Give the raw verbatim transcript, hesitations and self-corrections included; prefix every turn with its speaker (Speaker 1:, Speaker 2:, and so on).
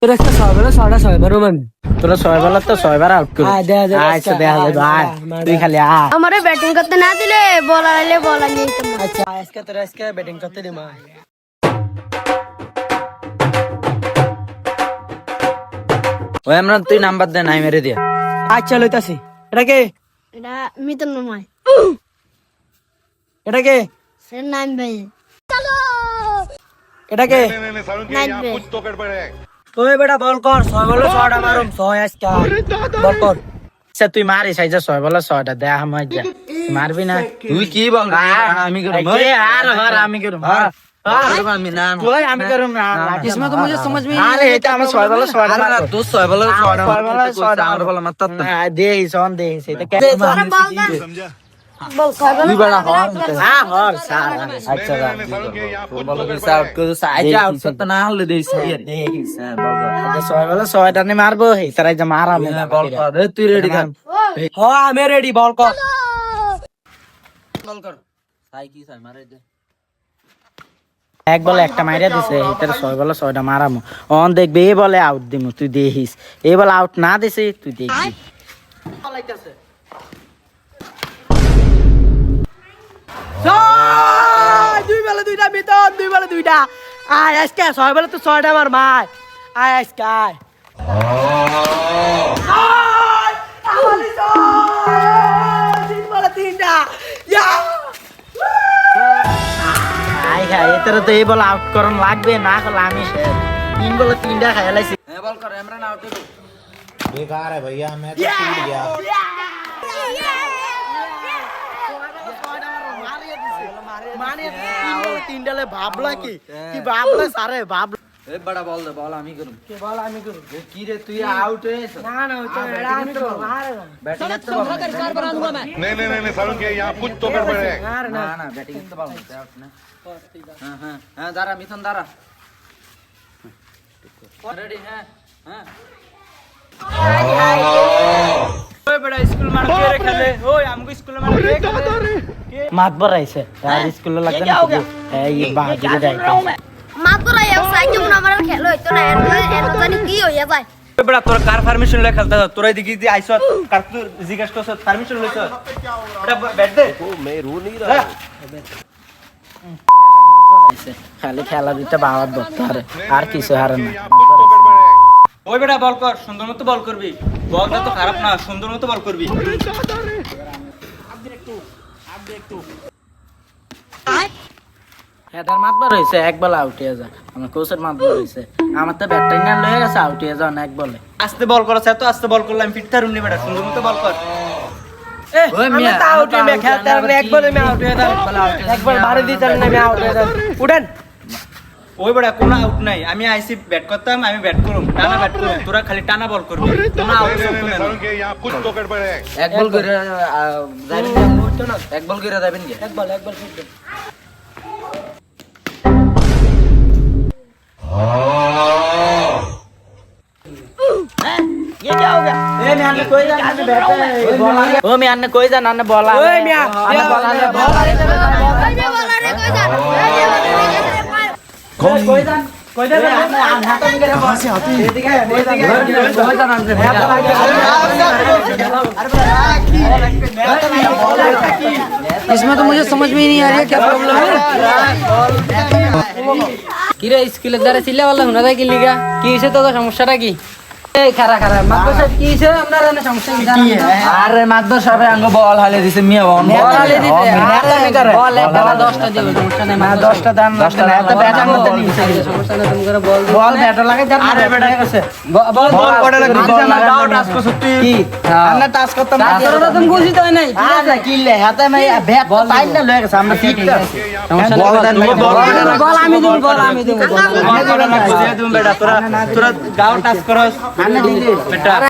Speaker 1: তোরা একটা ছয় বেলা ছয়টা ছয় বারো মানে
Speaker 2: তোরা ছয় বেলা তো ছয়বার আউট কর।
Speaker 1: আয় দেখা যাবে
Speaker 2: আচ্ছা দেখা যাবে আয় তুই খালি আয়।
Speaker 3: আমারে ব্যাটিং করতে না দিলে বল আইলে বল আনিয়ে দিতাম না।
Speaker 1: আচ্ছা আজকে তোরা আজকে ব্যাটিং করতে দে মা
Speaker 2: ওই আমরা তুই নাম্বার দে নাই মেরে দিয়া।
Speaker 1: আচ্ছা লইতাছি এটা কে
Speaker 3: এটা মিতন নয়,
Speaker 1: এটা কে
Speaker 3: সে নাম ভাই
Speaker 1: এটা কে
Speaker 3: নাইট ভাই।
Speaker 1: ওই বেটা বল কর ছয় বলে ছয়টা মারুম ছয় আজকে বল কর।
Speaker 2: আচ্ছা তুই মারিস এই যে ছয় বেলা ছয়টা দেয়া আমার যা মারবি না
Speaker 4: তুই কি বল আমি করব
Speaker 2: এই আর আর আমি করুম আর
Speaker 4: আমি না
Speaker 2: তুই আমি করুম না
Speaker 1: इसमें तो मुझे समझ में
Speaker 2: আরে এটা আমার ছয় বেলা ছয়টা
Speaker 4: আরে না
Speaker 2: মারবো।
Speaker 4: তুই ছয় বল ছয়টা
Speaker 2: ছয় বেলা ছয়টা
Speaker 4: আমার বল মাত্র
Speaker 2: না দেই সন দেই সেটা কে
Speaker 3: তোরা বল না বল খাবে
Speaker 4: তুই বড় হর
Speaker 2: হ্যাঁ হর স্যার
Speaker 4: আচ্ছা তোর বল কি সাউট করে সাইজ আউট করতে না হলে দেই দেখিস হ্যাঁ বল কর
Speaker 2: ছয় বেলা ছয়টা নে মারবো এই তারাই যে মারাম
Speaker 4: বল কর এ তুই রেডি কর
Speaker 1: হ আমি রেডি বল কর
Speaker 4: বল কর সাই কি সাই মারে দে
Speaker 2: এক বলে একটা মাইরা দিছে এটার ছয় বলে ছয়টা মারামু অন দেখবে এ বলে আউট দিমু তুই দেখিস এ বলে আউট না দিছে তুই দেখবি
Speaker 1: ছয় দুই বেলা দুইটা ভিতর দুই বেলা দুইটা আয় আজকে ছয় বেলা তো ছয়টা আমার মার আয় আজকে আয় ছয়! আমারই ছয়! তিন বেলা তিনটা ইয়া!
Speaker 2: আই খাই এটার তো এই বলে আউট করন লাগবে না করলে আমি শেষ তিন বলে তিনটা খাই লাইছি
Speaker 4: এ বল কর ইমরান আউট দে
Speaker 5: बेकार है भैया मैं तो टूट गया
Speaker 1: মানে তিন বেলা তিনটা ভাবলা কি কি ভাবলা সারে ভাবলা
Speaker 4: এ বড় বল দে বল আমি করব
Speaker 1: কে বল আমি করব
Speaker 4: এ কি রে তুই আউট হয়েছ
Speaker 1: না না ওই তো এরা আমি তো মারে না
Speaker 4: ব্যাটিং করতে পারবো না
Speaker 6: नहीं नहीं नहीं नहीं सारुण के यहाँ कुछ तो गड़बड़ है
Speaker 1: মারে
Speaker 4: না
Speaker 1: না
Speaker 4: না ব্যাটিং করতে পারবো না আউট না হ্যাঁ হ্যাঁ হ্যাঁ দাঁড়া মিথুন দাঁড়া রেডি হ্যাঁ হ্যাঁ
Speaker 1: ওই বড় স্কুল মার কে রে খেলে ওই আমগো স্কুল মার কে খেলে
Speaker 2: মাত বরাইছে আর স্কুলে লাগবে না এই বাহাদুরি দাইতে
Speaker 3: মাত্র এই সাইকেল মনে আমার খেলো হইতো না এর এর জানি কি হইয়া যায়।
Speaker 7: ওই বেটা তোর কার পারমিশন লয়ে খেলতে হয় তোরাই দেখি দি আইছ কার তুই জিজ্ঞেস করছ পারমিশন লইছ এটা ব্যাট দে
Speaker 2: খালি খেলা দিতে বাবার ধরতে হারে আর কিছু হারে না
Speaker 7: ওই বেটা বল কর সুন্দর মতো বল করবি বলটা তো খারাপ না সুন্দর মতো বল করবি
Speaker 2: হেডার মাতবার হয়েছে এক বলে আউট হয়ে যায় আমার কোচের মাতবার হয়েছে আমার তো ব্যাটটাই না লয়ে গেছে আউট হয়ে যান এক বলে
Speaker 7: আস্তে বল করছ এত আস্তে বল করলাম ফিট থারুন নি বেটা সুন্দর মতো বল কর
Speaker 1: এ আমি তো আউট মে খেলতে আর একবার আমি আউট হয়ে যাই একবার বাড়ি দিতে না আমি আউট হয়ে যাই উঠেন
Speaker 7: ওই বেটা কোনো আউট নাই আমি আইসি ব্যাট করতাম আমি ব্যাট করুম টানা ব্যাট করুম তোরা খালি টানা বল করবি কোনো আউট
Speaker 6: नहीं नहीं नहीं सारुण के यहाँ कुछ तो गड़बड़ है
Speaker 4: এক বল করে যাবেন এক বল করে যাবেন কি
Speaker 1: এক বল এক বল ফিট
Speaker 2: ये क्या हो गया ए मैं अन्ने कोई जान अन्ने बैठे बोला ओ मैं अन्ने कोई जान अन्ने बोला
Speaker 1: ओए मियां
Speaker 2: अन्ने बोला अन्ने बोला
Speaker 3: কই যে বল রে কই যা কই যে বল রে
Speaker 2: कोई जान कोई जान अन्ने हाथ में करे कहां से आती है ठीक है कोई जान कोई जान अन्ने
Speaker 1: इसमें तो मुझे समझ में ही नहीं आ रही है क्या प्रॉब्लम है
Speaker 8: কিরে স্কুলের দ্বারা ছিলে বললাম না তাই কি লিগা কি হইছে তো সমস্যাটা কি এই খারা খারা মাত্র সব কি হইছে আপনার এনে সমস্যা কি জানেন
Speaker 4: আরে মাদ্দর সাহেব আঙ্গ বল হালে দিছে মিয়া বল
Speaker 8: বল আলে দিতে
Speaker 2: নেতা মি করে
Speaker 8: বল একটা বা দশটা দিও সমস্যা নাই
Speaker 2: না দশটা দান দশটা না এত ব্যাট আনতে নিছে
Speaker 8: সমস্যা নাই তুমি করে বল
Speaker 2: বল ব্যাট লাগে জান আরে বেটা গেছে
Speaker 8: বল
Speaker 2: বল কোড়ে লাগে
Speaker 4: বল
Speaker 2: না দাও টাচ করছ তুই কি আমরা টাচ করতাম না
Speaker 8: তোরা তুমি বুঝিত হয় নাই
Speaker 2: আচ্ছা কিলে হাতে মে ব্যাট টাইল না লয়ে গেছে আমরা ঠিক আছে
Speaker 4: বল দেন
Speaker 8: বল আমি দেব বল আমি দেব
Speaker 7: আমি তোরা না বুঝিয়ে দিম বেটা তোরা তোরা গাও টাচ করস
Speaker 2: আন্না দিলে
Speaker 7: বেটা